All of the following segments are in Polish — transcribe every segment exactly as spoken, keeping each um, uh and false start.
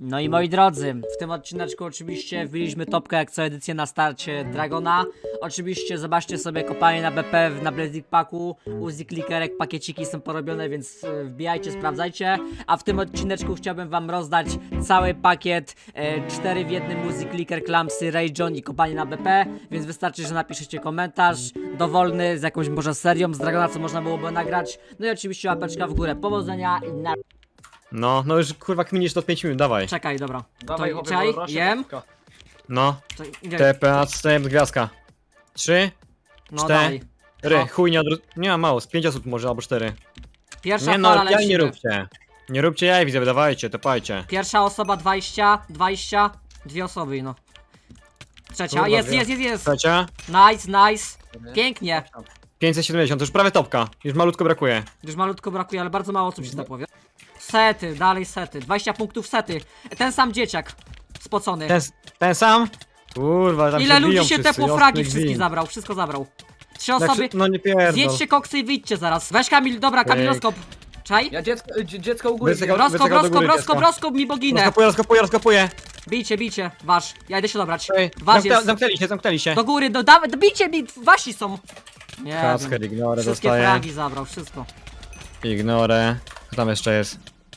No i moi drodzy, w tym odcineczku oczywiście wbiliśmy topkę jak co edycję na starcie Dragona. Oczywiście zobaczcie sobie kopalnię na B P na Blazik Packu, Uzi Clickerek, pakieciki są porobione, więc e, wbijajcie, sprawdzajcie. A w tym odcineczku chciałbym wam rozdać cały pakiet e, cztery w jednym Uzi Clicker, Clampsy, Ray John i kopalnię na B P, więc wystarczy, że napiszecie komentarz dowolny z jakąś może serią z Dragona, co można byłoby nagrać. No i oczywiście łapeczka w górę, powodzenia i na... No, no już kurwa kminisz to pięć minut, dawaj. Czekaj, dobra. Dawaj, to chłopie, czaj, bo rośnie jem. kawka. No, To, nie, T P A wstęp gwiazdka. Trzy, no cztery. dawaj. ry, No. chuj nie odwró... Nie ma mało, z pięć osób może, albo cztery. Pierwsza Nie no, fala jaj lecimy. nie róbcie. Nie róbcie jaj, widzę, dawajcie, topajcie. Pierwsza osoba dwadzieścia, dwadzieścia, dwie osoby, no. Trzecia, Kurwa, jest, dwie. jest, jest, jest. Trzecia, Nice, nice. Pięknie. pięćset siedemdziesiąt, to już prawie topka. Już malutko brakuje. Już malutko brakuje, ale bardzo mało osób się zapowie. Sety, dalej sety. dwadzieścia punktów sety. Ten sam dzieciak. Spocony. Ten, ten sam? Kurwa, tam Ile się ludzi biją się wszyscy, tepło ostry fragi gwint. wszystkich zabrał, wszystko zabrał. Trzy Tak, osoby. no nie pierdol. Zjedźcie koksy i wyjdźcie zaraz. Weź Kamil, dobra, Kamiloskop. Czaj? Ja dziecko, dzie- dziecko u góry. Wysyka- wziąłem. Roskop, wycykał do roskop, góry roskop, dziecko. roskop mi boginę. Rozkopuję, rozkopuję, rozkopuję. Bijcie, bijcie, wasz. Ja idę się dobrać. Ej, Wasz zamknę, jest. zamknęli się, zamknęli się. Do góry, do, da, bijcie mi, wasi są. Nie Kacper, wiem. ignorę Wszystkie dostaję. fragi zabrał, wszystko. Ignorę. Co tam jeszcze jest?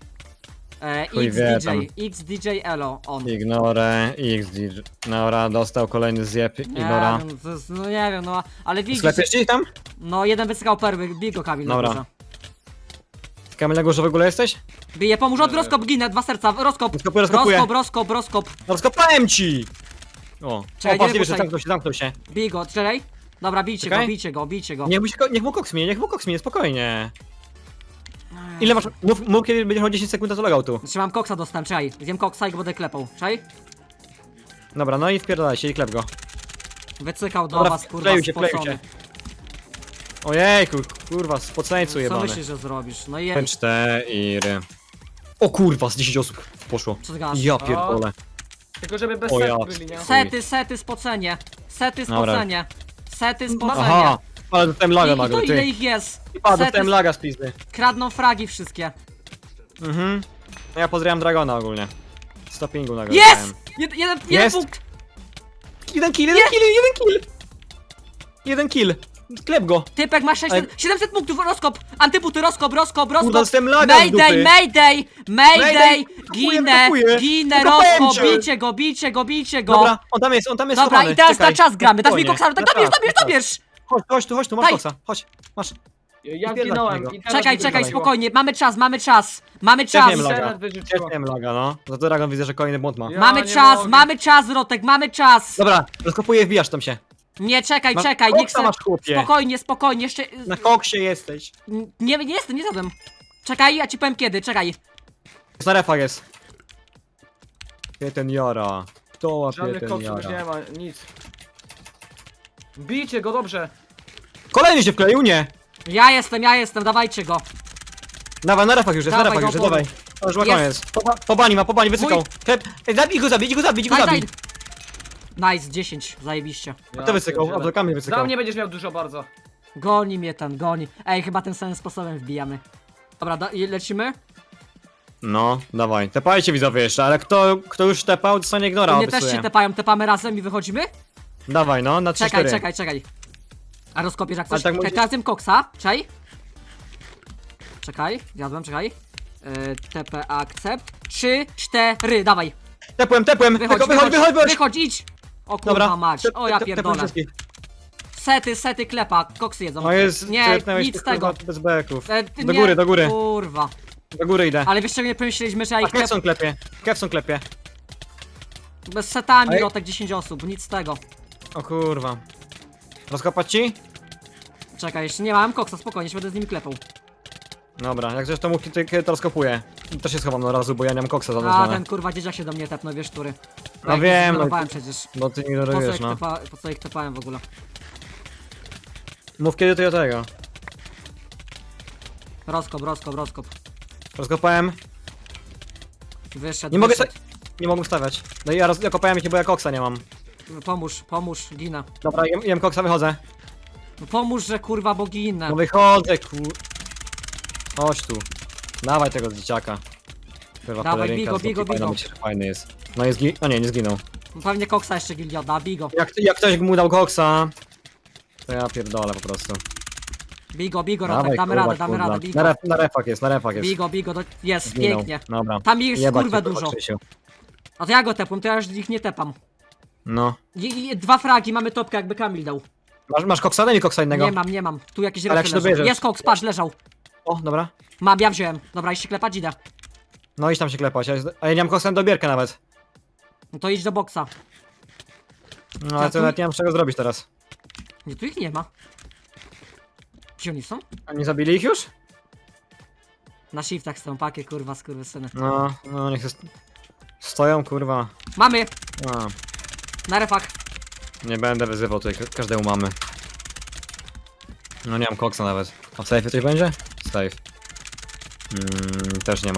E, Chuj wie X D tam. J, X D J Elo, on. Ignorę, X D J. Dobra, dostał kolejny zjeb, Nie ignora. wiem, to jest, no nie wiem, no, ale widzisz, Sklepiesz ci tam? no jeden wysykał perły, bij go Kamil na Dobra. górze. Kamil, na górze w ogóle jesteś? Bije, pomóż, od Nie. rozkop, ginę, dwa serca, rozkop, Rozkopuję, rozkopuję. rozkop, rozkop, rozkop, No, rozkopałem ci! O, Czekaj, o patrz, nie nie wiesz, ruszaj. zamknął się, zamknął się. bij go, czekaj. Dobra, bijcie Czekaj. go, bijcie go, bijcie go. Niech mu, się, niech mu koks minie, niech mu koks minie, spokojnie. Ile masz, mów, mów kiedy będziesz miał dziesięć sekund do logoutu. Znaczy mam koksa dostałem, czekaj, zjem koksa i go będę klepał, czekaj. Dobra, no i wpierdalaj się i klep go. Wycykał do Dobra, was, kurwa, wkleił się, wkleił spocony. się. Ojejku, kurwa, spoceńcu Co jebany. myślisz, że zrobisz? No i Ten cztery. O kurwa, z dziesięć osób poszło. co ty gadasz? Ja pierdolę. Tylko żeby bez O set ja. byli, nie? Sety, sety, spocenie. Sety, Dobra. spocenie. Sety, spocenie. Aha, ale dostałem laga I, i to nagle, ile ty. ich jest? A, Sety dostałem laga z pizdy. kradną fragi wszystkie. Mhm. No ja pozdrawiam Dragona ogólnie. Stoppingu nagle Jest! dostałem. Jed, jeden, jeden Jest! punkt! Jeden kill, jeden kill, jeden kill! Jeden kill. Klep go. Typek ma sześćset, siedemset punktów, rozkop! Antyputy, rozkop, rozkop, rozkop! Kurwa, dostałem laga z Mayday, dupy. mayday, mayday! Mayday! Ginę, Atakuję, ginę, atakuję rozkop, cię. bijcie go, bijcie go, bijcie go! Dobra, on tam jest, on tam jest Dobra, schowany. i teraz Czekaj, na czas gramy, dasz mi spokojnie. koksa, tak Na dobierz, czas, dobierz, na czas. dobierz! Chodź, chodź tu, chodź tu, masz Daj. koksa, chodź, masz. Ja Wpierdalaj zginąłem tego. i teraz Czekaj, mi czekaj, wyrzuciło. spokojnie, mamy czas, mamy czas, mamy Ja czas! wiem, laga. Teraz wyrzuciło. Cieszyłem laga, no. Za to Dragon widzę, że kolejny błąd ma. Ja Mamy nie czas, mogę. mamy czas, Rotek, mamy czas! Dobra, rozkopuję, wbijasz tam się. Nie, czekaj, Masz czekaj, nie koksa chcę... masz, chłopie. Spokojnie, spokojnie, jeszcze... Na koksie jesteś. Nie, nie jestem, nie zadam. Czekaj, ja ci powiem kiedy, czekaj. Na refach jest. Pie ten jara. Kto łapie Żadnych ten koksów już nie jara? ma, nic. Bijcie go dobrze. Kolejny się wkleił, nie. Ja jestem, ja jestem, dawajcie go. Dawaj, na refach już jest, na Dawaj refach go, już jest, bo- dawaj. To już ma Jest. koniec. Po, po bani ma, po bani, wysykał. Mój- Klep. Ej, zabij go, zabij go, zabij go, Daj, daj. zabij. Nice, dziesięć, zajebiście. A to wysykał, a to Kamil Za wysykał. mnie będziesz miał dużo bardzo. Goni mnie ten, goni. Ej, chyba tym samym sposobem wbijamy. Dobra, da, i lecimy? No, dawaj. Tepajcie widzowie jeszcze, ale kto, kto już tepał, dostanie ignora, Mnie też obiecuję. się tepają, tepamy razem i wychodzimy? Dawaj, no, na trzy Czekaj, cztery. czekaj, czekaj. A rozkopiesz jak Ale coś? tak Czekaj, musisz- teraz zjem koksa, czekaj. Czekaj, zjadłem, czekaj. Yy, T P akcept. Trzy, cztery, dawaj. Tepłem, tepłem, Wychodź, wychodź, wychodź, wychodź, wychodź. wychodź, idź. O kurwa Dobra, mać, tep- o ja tep- tepłem pierdolę. wszystkich. Sety, sety klepa, koksy jedzą. No jest, Nie, tepnąłeś nic tych, z tego. kurwa, bez beków. E, ty Do nie- góry, do góry. Kurwa. Do góry idę. Ale wiesz czego nie pomyśleliśmy, że ja A ich klep... Kevson klepie, Kevson klepie. Bez setami, Ej. Rotek dziesięć osób, nic z tego. O kurwa. Rozkopać ci? Czekaj, jeszcze nie mam koksa, spokojnie, się będę z nimi klepał. Dobra, jak zresztą mu kiedy kiedy to rozkopuję. Też się schowam na razu, bo ja nie mam koksa A, zadążone. ten kurwa dzieciak się do mnie tepnął, wiesz, który. No Ja ich wiem, no zignorowałem przecież. Bo ty nie Po co, ignorujesz, ich no. tepa... po co ich tepałem w ogóle? Mów kiedy to ja tego. Rozkop, rozkop, rozkop. Rozkopałem. Wyszedł, Nie mogę wyszedł. Nie mogę stawiać. No i ja, roz... ja kopałem ich, bo ja koksa nie mam. Pomóż, pomóż, ginę. Dobra, jem, jem koksa, wychodzę. No pomóż, że kurwa, bo ginę. No wychodzę, kur... Chodź tu. Dawaj tego z dzieciaka. Kurwa, Dawaj, pelerynka bigo, z bigo, Loki fajna, bigo. myślę, że fajny jest. No jest gi... O nie, nie zginął. Pewnie koksa jeszcze gildia odda, bigo. Jak, jak ktoś mu dał koksa, to ja pierdolę po prostu. Bigo, bigo, Rotek, Dawaj, damy kurwa, radę, damy kurwa. radę, bigo. Na, ref, na refach jest, na refach jest. Bigo, bigo, do... jest, Zginął. pięknie. Dobra. Tam jest Jebać kurwę cię, kurwa, dużo. Krzysiu. A to ja go tepłem, to ja już ich nie tepam. No. I, i, dwa fragi, mamy topkę jakby Kamil dał. Masz, masz koksa? Daj mi koksa innego. Nie mam, nie mam. Tu jakieś Ale jak refy się leżą. dobierzesz? Jest koks, patrz, leżał. O, dobra. Mam, ja wziąłem. Dobra, iść się klepać, idę. No idź tam się klepać, a ja- a ja nie mam koksa na dobierkę nawet. No to idź do boksa. No ale Ja to tu- nawet nie mam czego zrobić teraz. Nie, tu ich nie ma. Gdzie oni są? A nie zabili ich już? Na shiftach są, pakie, kurwa, skurwysyny. No, no niech jest... Stoją, kurwa. Mamy! A, Na refach. nie będę wyzywał tutaj, ka- każdemu mamy. No nie mam koksa nawet. A w safe'ie coś będzie? Safe. Mm, też nie ma.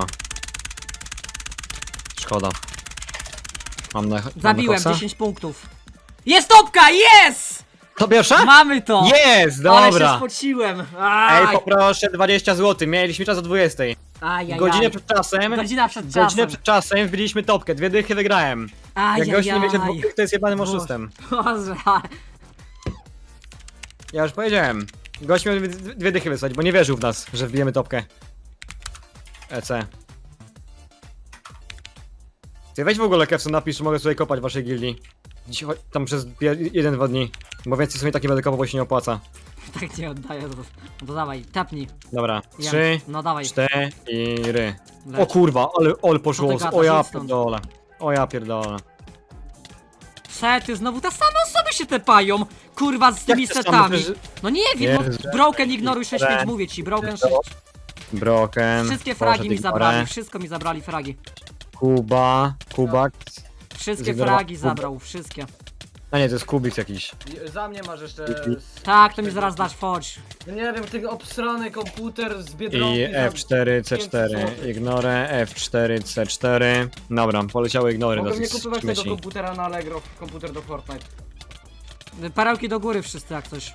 Szkoda. Mam na, mam na Zabiłem, koksa? dziesięć punktów. Jest topka, jest! To pierwsza? Mamy to! Jest, Ale się dobra. spociłem. Ej, Aj, poproszę dwadzieścia złotych, mieliśmy czas o dwudziestej. aj, aj, Godzinę aj. przed czasem, Godzina przed czasem. godzinę przed czasem wbiliśmy topkę, dwie dychy wygrałem. Aj, Jak aj, gość nie wiecie aj. dwóch, to jest jebanym Boże. oszustem. Boże, Ja już powiedziałem. Gość miał dwie, dwie dychy wysłać, bo nie wierzył w nas, że wbijemy topkę. E C. Ty weź w ogóle Kevson, napisz, że mogę sobie kopać w waszej gildii. Dziś, cho- tam przez pie- jeden, dwa dni. Bo więcej sobie takie będę kopał, bo się nie opłaca. tak nie oddaję. To, no to dawaj, tapnij. Dobra, Ja. trzy, No dawaj. cztery. Leć. O kurwa, ale ol poszło. Co ty gadasz? O ja Idź stąd. pierdolę. O ja pierdolę. Sety, znowu te same osoby się tepają. Kurwa, z tymi Jak te same? setami. Przecież- No nie wiem, Jezu. no, Broken ignoruj sześć Dobra. pięć, mówię ci, Broken Dobra. sześć. Broken. Wszystkie poszedł fragi mi ignorę. zabrali, wszystko mi zabrali fragi. Kuba, Kubak. Wszystkie Zignorował fragi Kubę. zabrał, wszystkie. A nie, to jest Kubik jakiś. I- Za mnie masz jeszcze... Tak, to mi zaraz dasz, chodź. No nie wiem, ten obsrany komputer z Biedronki... I za F cztery C cztery. pięćset złotych. Ignorę, F cztery C cztery. Dobra, poleciały ignory Mogę do nie tych kupować tego śmieci. komputera na Allegro, komputer do Fortnite. Perełki do góry wszyscy jak coś.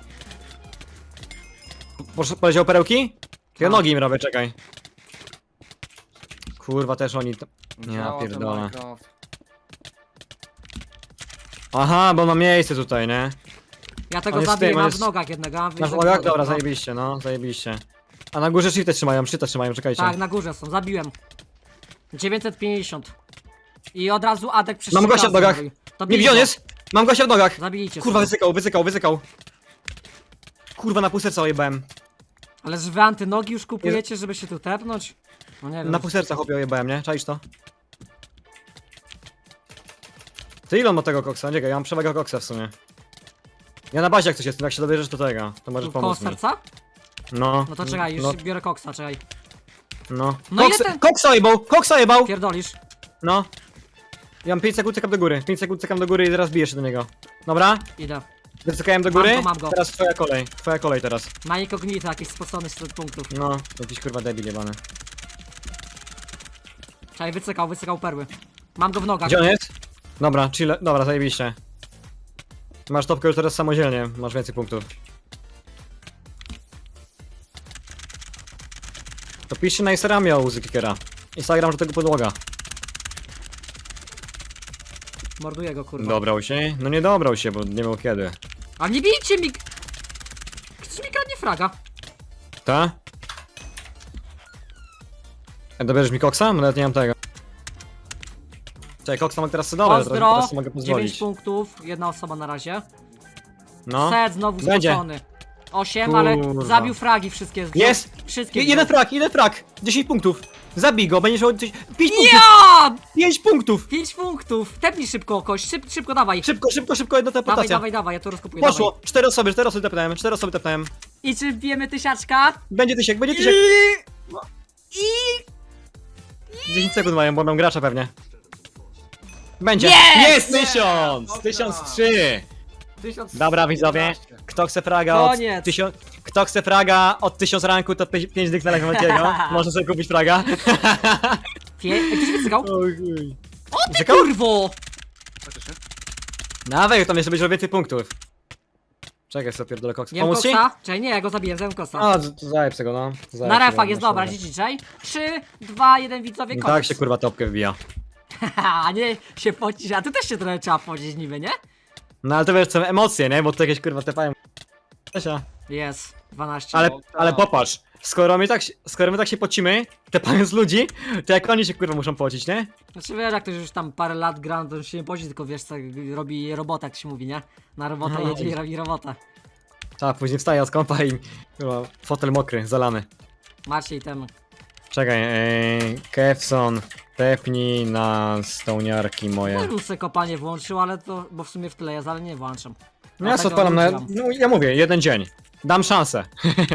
Posz- Poleciały perełki? Ja Tak. nogi im robię, czekaj. Kurwa, też oni... to- Ja Działa ten pierdolę. Minecraft. Aha, bo ma miejsce tutaj, nie? Ja On tego jest zabiję, tym, on mam w jest- nogach jednego. a wy Masz za nogach? drugą, Dobra, no. zajebiście, no, zajebiście. A na górze shifty trzymają, shifta trzymają, czekajcie. Tak, na górze są, zabiłem. dziewięćset pięćdziesiąt. I od razu Adek przez Mam trzy gościa w razy nogach. zrobił. To Nie, bij gdzie on go. jest? Mam gościa w nogach! Zabijcie Kurwa, sobie. wycykał, wycykał, wycykał. Kurwa, na pół serca ojebałem. Ale że wy antynogi już kupujecie, żeby się tu tepnąć? No nie wiem. Na pół serca chłopie ojebałem, nie? Czaisz to? Ty ile on ma tego koksa? Czekaj, ja mam przewagę koksa w sumie. Ja na bazie jak coś jest, jak się dobierzesz do tego, to możesz Tu koło pomóc mi. serca? No. No to czekaj, już No, biorę koksa, czekaj. no. No Koks, ile ten- koksa ojebał, koksa ojebał! Pierdolisz. No. Ja mam pięć sekund, czekam do góry. pięć sekund, czekam do góry i zaraz biję się do niego. Dobra? Idę. Wycykałem do Mam góry. go, mam go. Teraz twoja kolej. Twoja kolej teraz. Ma incognito, jakiś spocony z punktów. No, jakiś kurwa debil jebany. Czekaj, wycykał, wycykał perły. Mam go w nogach. Gdzie on jest? Dobra, chill. Dobra, zajebiście. Masz topkę już teraz samodzielnie, masz więcej punktów. To piszcie na Instagramie o Uzy Kickera. Instagram, że tego podłoga. Morduję go, kurwa. Dobrał się? No nie dobrał się, bo nie miał kiedy. A nie bijcie mi... Ktoś mi kradnie fraga. Ta? E, dobierzesz mi koksa? Bo nawet nie mam tego. Czekaj, koksa mogę teraz sobie dobrać, teraz, Pozdro. teraz sobie mogę dziewięć pozwolić. punktów, jedna osoba na razie. No. Set znowu Będzie. spocony. osiem, ale Kurwa. zabił fragi wszystkie. wziął- Jest! Wszystkie Je- Jeden wziął. frak, jeden frak! dziesięć punktów! Zabij go, będziesz miał pięć punktów! Ja! pięć punktów! pięć punktów! Tepnij szybko kość, Szyb, szybko dawaj. Szybko, szybko, szybko, jedna Dawaj, teleportacja. dawaj, dawaj, ja to rozkupuję. Poszło! Dawaj. Cztery osoby, cztery osoby tepnąłem, cztery osoby tepnąłem. I czy wbijemy tysiaczka? Będzie tysiek, będzie tysiek! I... I... dziesięć sekund mają, bo mam gracza pewnie. Będzie! Jest! Jest tysiąc! Dobra. tysiąc trzy! tysiąc Dobra widzowie, jedenaście. kto chce fraga od Koniec. tysiąc... Kto chce fraga od tysiąc ranku, to pięć dych na Lechmatiego. Może sobie kupić fraga. Pie... Ej, ktoś wycykał? O chuj. O ty Wycykał? kurwo! Faktycznie. Nawet tam jeszcze będzie więcej punktów. Czekaj, sobie pierdolę koksa. Jem Pomóc ci? koksa? Czekaj, nie, ja go zabiję, zjem koksa. A, to- to zajeb tego, no. To zajeb Na tego, refach jest masz dobra, rację. dzisiaj. trzy, dwa, jeden widzowie, I koniec. tak się kurwa topkę wbija. A nie się pocisz, a tu też się trochę trzeba pocić niby, nie? No ale to wiesz, są emocje, nie? Bo to jakieś kurwa tepają. Czesia. Jest, dwanaście. Ale, No, tak. ale popatrz, skoro my tak, się- skoro my tak się pocimy, tepając ludzi, to jak oni się kurwa muszą pocić, nie? Znaczy wiesz, jak ktoś już tam parę lat gra, no to już się nie poci, tylko wiesz co, robi robotę, jak się mówi, nie? Na robotę No. jedzie i robi robotę. Tak, później wstaje od kąpa i kurwa, fotel mokry, zalany. Macie i temu. Czekaj, ee, Kefson, tepnij na stołniarki Ja moje. bym sobie kopanie włączył, ale to, bo w sumie w tle jest, ale nie włączam. No ja tak sobie odpalam na, włączyłam. no ja mówię, jeden dzień. Dam szansę.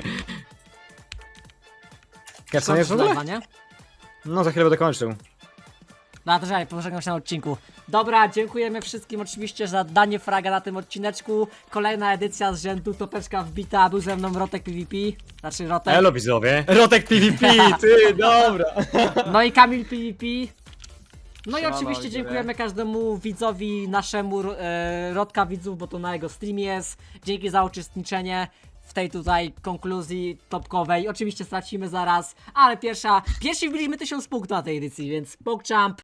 Kefson jest w ogóle? Lewa, nie? No za chwilę będę kończył. No to żaj, pożegnam się na odcinku. Dobra, dziękujemy wszystkim oczywiście za danie fraga na tym odcineczku. Kolejna edycja z rzędu, topeczka wbita, był ze mną Rotek P V P. Znaczy Rotek. Elo widzowie. Rotek P V P, ty, dobra. No i Kamil P V P. No i Siemano, oczywiście widzowie. dziękujemy każdemu widzowi naszemu e, Rodka widzów, bo to na jego streamie jest. Dzięki za uczestniczenie w tej tutaj konkluzji topkowej. Oczywiście stracimy zaraz, ale pierwsza, pierwsi wbiliśmy tysiąc punktów na tej edycji, więc PogChamp.